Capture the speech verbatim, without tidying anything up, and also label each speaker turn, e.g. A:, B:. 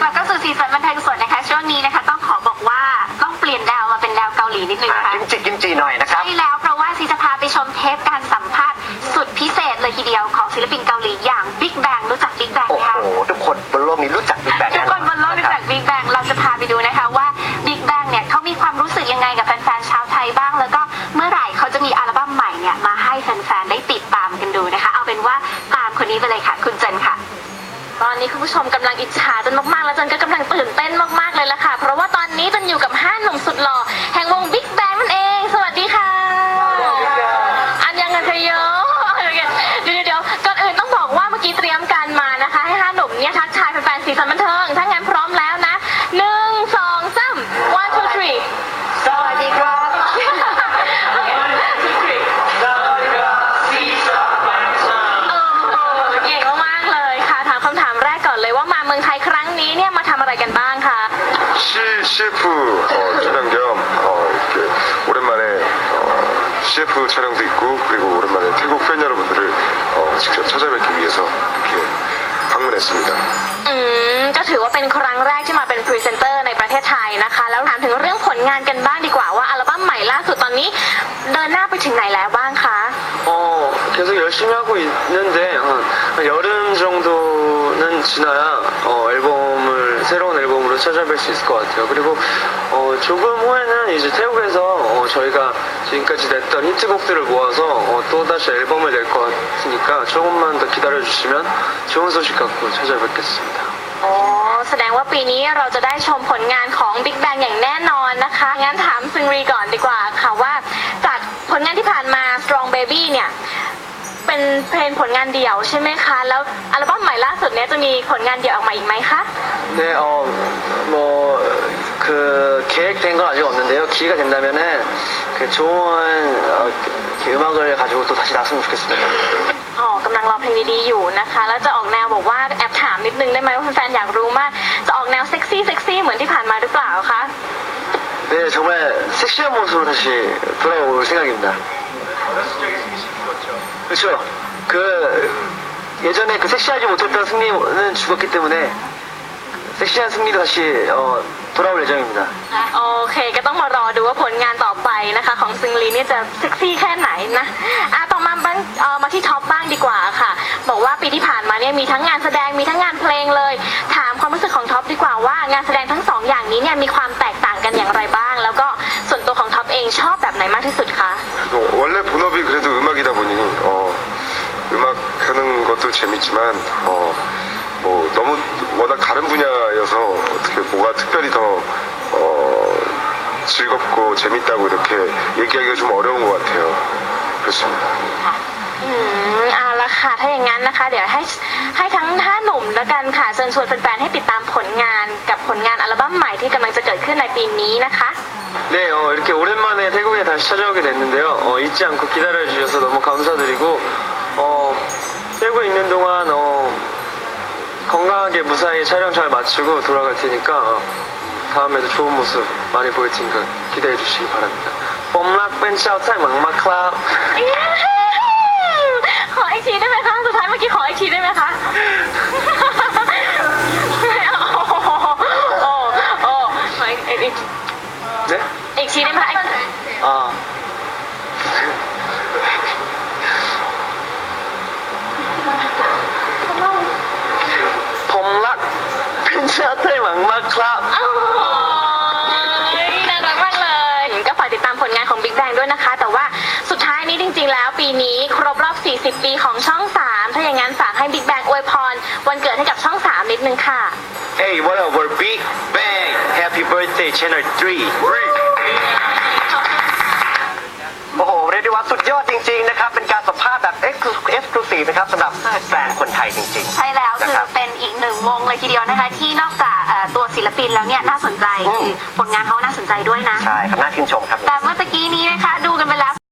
A: ลับเข้าสู่สีสันบันเทิงสดนะคะช่วงนี้นะคะต้องขอบอกว่าต้องเปลี่ยนแนวมาเป็นแนวเกาหลีนิดนึงนะคะ
B: กิมจิกิมจิหน่อยนะครับ
A: ใช่แล้วเพราะว่าซีจะพาไปชมเทปการสัมภาษณ์สุดพิเศษเลยทีเดียวของศิลปินเกาหลีอย่าง Big Bang รู้จัก Big Bang
B: โอ้
A: ไหม
B: โห
A: คะ
B: ทุกคนบนโลกนี้รู้จักบิ๊กแบง
A: ทุกคนบนโลกรู้จัก Big Bang เราจะพาไปดูนะคะว่า Big Bang เนี่ยเขามีความรู้สึกยังไงกับแฟนๆชาวไทยบ้างแล้วก็เมื่อไหร่เขาจะมีอัลบั้มใหม่เนี่ยมาให้แฟนๆได้ติดตามกันดูนะคะเอาเป็นว่าตามคนนี้ไปเลยค่ะคุณเจนค่ะตอนนี้คุณผู้ชมกำลังอิจฉาจนมากๆแล้วจนก็กำลังตื่นเต้นมากๆเลยละค่ะเพราะว่าตอนนี้จนอยู่กับห้าหนุ่มสุดหล่อแห่งวง Big Bang นั่นเองสวัสดีค่ะอันยังกันเธอเยอะเดี๋ยวเดี๋ยวก่อนอื่นต้องบอกว่าเมื่อกี้เตรียมการมานะคะให้ห้าหนุ่มเนี่ยทักทายแฟนๆสีสันบันเทิงถ้างั้นพร้อมแล้วนะหนึ่งสองสาม one two three
B: สวัสดีครับ
A: เก่งมากๆเลยค่ะถามคำถามแรกก่อนเลยว่ามาเมืองไทยครั้งนี้เนี่ยมาทำอะไรกันบ้างคะ
C: 시, 씨에프 어, 촬영 겸 어, 이렇게 오랜만에 어, 씨에프 촬영도 있고 그리고 오랜만에 태국 팬 여러분들을 어, 직접 찾아뵙기 위해서 이렇게 방문했습니다.
A: อืมก็ถือว่าเป็นครั้งแรกที่มาเป็นพรีเซนเตอร์ในประเทศไทยนะคะ แล้วถามถึงเรื่องผลงานกันบ้างดีกว่าว่าอัลบั้มใหม่ล่าสุดตอนนี้เดินหน้าไปถึงไหนแล้วบ้างคะ
D: 어, 계속 열심히 하고 있는데 한, 한 여름 정도는 지나야 어, 앨범을 새로운 앨범으로 찾아뵐 수 있을 것 같아요. 그리고 어, 조금 후에는 이제 태국에서 어, 저희가 지금까지 냈던 히트곡들을 모아서 어, 또 다시 앨범을 낼 것 같으니까 조금만 더 기다려 주시면 좋은 소식 갖고 찾아뵙겠습니다.
A: อ๋อแสดงว่าปีนี้เราจะได้ชมผลงานของ Big Bang อย่างแน่นอนนะคะงั้นถามซึงรีก่อนดีกว่าค่ะว่าจากผลงานที่ผ่านมา Strong Baby เนี่ยเป็นเพลงผลงานเดี่ยวใช่ไหมคะแล้วอัลบั้มใหม่ล่าสุดเนี้ยจะมีผลงานเดี่ยวออกมาอีกไหมคะ
D: 네, 어, 뭐, 그, 계획된 건 아직 없는데요. 기회가 된다면은, 그, 좋은, 어, 이렇게 음악을 가지고 또 다시 나왔으면 좋겠습니다.
A: อ๋อกำลังรอเพลงดีๆอยู่นะคะแล้วจะออกแนวบอกว่าแอบถามนิดนึงได้ไหมว่าแฟนๆอยากรู้มากจะออกแนวเซ็กซี่เซ็กซี่เหมือนที่ผ่านมาหรือเปล่าคะ
D: 네, 정말 섹시한 모습으로 다시 돌아올 생각입니다. 그렇죠. 그, 예전에 그 섹시하지 못했던 승리는 죽었기 때문에, 섹시한 승리도 다시, 어, 돌아올 예정입니다.
A: โอเคก็ต้องมารอดูว่าผลงานต่อไปนะคะของซึงลีเนี่ยจะเซ็กซี่แค่ไหนนะอ่ะต่อมาบ้างเอ่อมาที่ท็อปบ้างดีกว่าค่ะบอกว่าปีที่ผ่านมาเนี่ยมีทั้งงานแสดงมีทั้งงานเพลงเลย ถามความรู้สึกของท็อปดีกว่าว่างานแสดงทั้งสองอย่างนี้เนี่ยมีความแตกต่างกันอย่างไรบ้าง แล้วก็ส่วนตัวของท็อปเองชอบแบบไหนมากที่สุดคะ
C: 어, 원래 본업이 그래도 음악이다 보니 어, 음악 하는 것도 재밌지만 어, 뭐 너무 워낙 다른 분야여서 어떻게 뭐가 특별히 더 어, 즐겁고 재밌다고 이렇게 얘기하기가 좀 어려운 것 같아요. 그렇습니다.
A: อืมเอาละค่ะถ้าอย่างนั้นนะคะ เดี๋ยวให้ให้ทั้งห้าหนุ่มแล้วกันค่ะเชิญชวนแฟนๆให้ติดตามผลงานกับผลงานอัลบั้มใหม่ที่กำลังจะเกิดขึ้นในปีนี้นะคะ
D: 네, 어, 이렇게 오랜만에 태국에 다시 찾아오게 됐는데요. 어, 잊지 않고 기다려주셔서 너무 감사드리고, 어, 태국에 있는 동안, 어, 건강하게 무사히 촬영 잘 마치고 돌아갈 테니까, 어, 다음에도 좋은 모습 많이 보일 테니까 기대해 주시기 바랍니다. 뽐락 벤차오 타임 막막 클럽.
A: ขออีกทีได้ไหมคะสุดท้ายเมื่อกี้ขออีกทีได้ไหมคะโอ้โหโอ้โอ้ขออีกอีกอีก
D: 네?
A: อีกทีได้ไหมคะ
D: 아. 폼락 벤차오 타임 막막 클럽.
A: โอ้ยน่ารักมากเลยก็ฝากติดตามผลงานของ Big Bang ด้วยนะคะ แต่ว่าสุดท้ายนี้จริงๆแล้วปีนี้ครบรอบสี่สิบปีของช่องสามถ้าอย่างนั้นฝากให้ Big Bang อวยพรวันเกิดให้กับช่องสามนิดนึงค่ะ
D: Hey, what up? We're Big Bang. Happy birthday, Channel ทรี
B: โอ้โหเรียกได้ว่าสุดยอดจริงๆนะครับ เป็นการสัมภาษณ์แบบเอ็กซ์คลูซีฟนะครับสำหรับแฟนคนไทยจริงๆ
A: ใช่แล้ว
B: นะ
A: คือ
B: ครับ
A: เป็นอีกหนึ่งวงเลยทีเดียวนะคะ ที่นอกจากเอ่อตัวศิลปินแล้วเนี่ยน่าสนใจ
B: อืม
A: คือผลงานเขาน่าสนใจด้วยนะ
B: ใช่ครับน่าชื่นชมครับ
A: แต่เมื่อตะกี้นี้นะคะดูกันไปแล้ว